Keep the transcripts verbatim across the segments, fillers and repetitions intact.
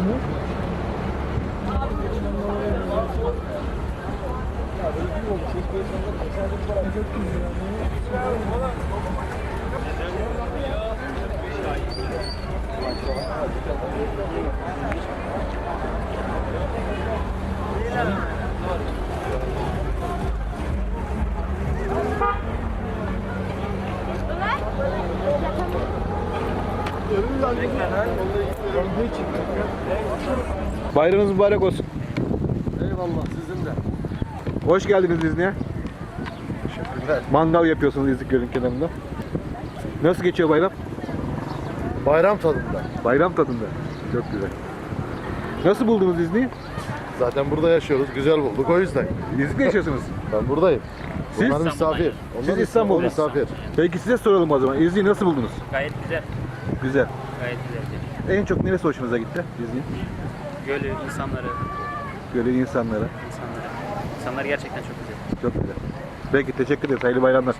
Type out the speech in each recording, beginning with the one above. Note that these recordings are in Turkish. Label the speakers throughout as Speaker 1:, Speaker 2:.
Speaker 1: Bayramınız mübarek olsun.
Speaker 2: Eyvallah, sizin de.
Speaker 1: Hoş geldiniz İznik'e.
Speaker 2: Teşekkürler.
Speaker 1: Mangal yapıyorsunuz İznik Gölü'nün kenarında. Nasıl geçiyor bayram?
Speaker 2: Bayram tadında.
Speaker 1: Bayram tadında. Çok güzel. Nasıl buldunuz İznik'i?
Speaker 2: Zaten burada yaşıyoruz, güzel bulduk o yüzden.
Speaker 1: İznik'te yaşıyorsunuz.
Speaker 2: Ben buradayım.
Speaker 1: Siz?
Speaker 2: Onlar misafir. Onlar
Speaker 1: Siz İstanbul'da.
Speaker 2: misafir.
Speaker 1: Peki size soralım o zaman. İznik'i nasıl buldunuz?
Speaker 3: Gayet güzel.
Speaker 1: Güzel.
Speaker 3: Gayet güzel.
Speaker 1: En çok neresi hoşunuza gitti İznik'in?
Speaker 3: Gölü, insanları,
Speaker 1: Gölü, insanlara.
Speaker 3: insanları. İnsanlar gerçekten çok güzel.
Speaker 1: Çok güzel. Peki teşekkür ederiz. Hayırlı bayramlar.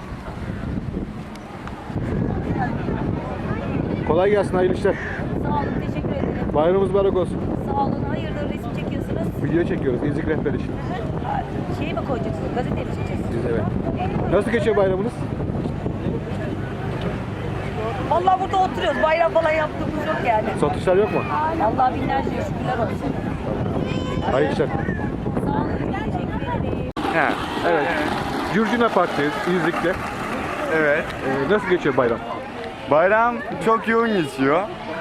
Speaker 1: Kolay gelsin, hayırlı işler.
Speaker 4: Sağ olun, teşekkür ederim.
Speaker 1: Bayramımız mübarek olsun.
Speaker 4: Sağ olun, hayırdır resim çekiyorsunuz?
Speaker 1: Video çekiyoruz. İznik rehber için.
Speaker 4: Şeyi mi koyacaksınız, gazete mi çekeceksiniz?
Speaker 1: Biz evet. Nasıl geçiyor bayramınız?
Speaker 4: Vallahi burada oturuyoruz, bayram falan yaptığımız yok yani.
Speaker 1: Satışlar yok mu?
Speaker 4: Allah binlerce şükürler olsun.
Speaker 1: Hayırlı işler.
Speaker 4: Sağ olun, teşekkür ederim.
Speaker 1: He, evet. Curcuna Park'tayız İznik'te.
Speaker 5: Evet.
Speaker 1: Ee, nasıl geçiyor bayram?
Speaker 5: Bayram çok yoğun geçiyor.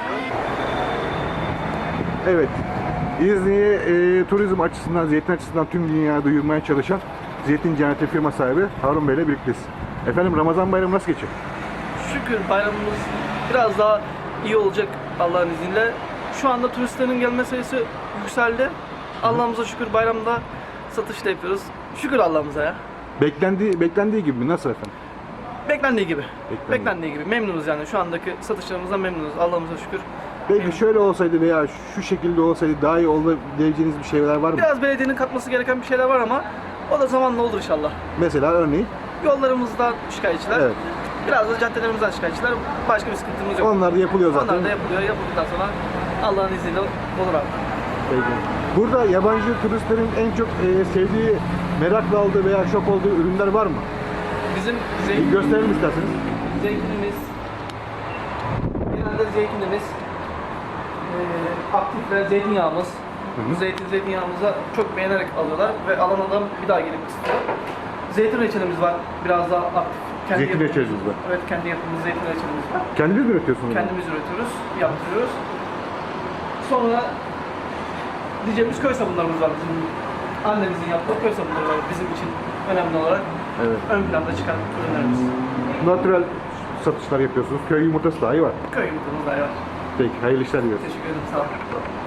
Speaker 1: Evet. İznik'i e, turizm açısından, zeytin açısından tüm dünyaya duyurmaya çalışan Zeytin Cenneti firma sahibi Harun Bey ile birlikteyiz. Efendim Ramazan bayramı nasıl geçiyor?
Speaker 6: Şükür bayramımız biraz daha iyi olacak Allah'ın izniyle. Şu anda turistlerin gelme sayısı yükseldi. Allah'ımıza şükür bayramda satış da yapıyoruz. Şükür Allah'ımıza ya.
Speaker 1: Beklendiği, beklendiği gibi mi? Nasıl efendim?
Speaker 6: Beklendiği gibi.
Speaker 1: Beklendiği.
Speaker 6: Beklendiği gibi. Memnunuz yani. Şu andaki satışlarımızdan memnunuz. Allah'ımıza şükür.
Speaker 1: Peki şöyle olsaydı veya şu şekilde olsaydı daha iyi olabileceğiniz bir şeyler var mı?
Speaker 6: Biraz belediyenin katması gereken bir şeyler var ama o da zamanla olur inşallah.
Speaker 1: Mesela örneğin?
Speaker 6: Yollarımızdan şikayetçiler.
Speaker 1: Evet.
Speaker 6: Biraz da caddelerimizden şikayetçiler. Başka bir sıkıntımız yok.
Speaker 1: Onlar da yapılıyor zaten.
Speaker 6: Onlar da yapılıyor. Yapıldıktan sonra Allah'ın izniyle olur abi.
Speaker 1: Peki. Burada yabancı turistlerin en çok e, sevdiği, merakla aldığı veya şok olduğu ürünler var mı?
Speaker 6: Bizim
Speaker 1: Bir
Speaker 6: zeytin,
Speaker 1: gösterelim isterseniz.
Speaker 6: zeytinimiz, genelde zeytinimiz, e, aktif ve zeytinyağımız. Bu zeytin zeytinyağımıza çok beğenerek alıyorlar ve alan adam bir daha gelip istiyor. Zeytin reçelimiz var, biraz daha aktif. Kendi
Speaker 1: Zeytin
Speaker 6: yapımız-
Speaker 1: reçeliniz var.
Speaker 6: Evet, kendi yapımız zeytin reçelimiz var.
Speaker 1: Kendiniz mi üretiyorsunuz?
Speaker 6: Kendimiz üretiyoruz, yaptırıyoruz. Sonra diyeceğimiz köy sabunlarımız var bizim. Annemizin yaptığı köy sabunları var bizim için önemli olarak.
Speaker 1: Evet.
Speaker 6: Ön planda çıkan ürünlerimiz.
Speaker 1: Natural satışlar yapıyorsunuz. Köy yumurtası dahi var.
Speaker 6: Köy yumurtamız da var.
Speaker 1: Peki hayırlı işler diliyoruz.
Speaker 6: Teşekkür ederim, sağ olun.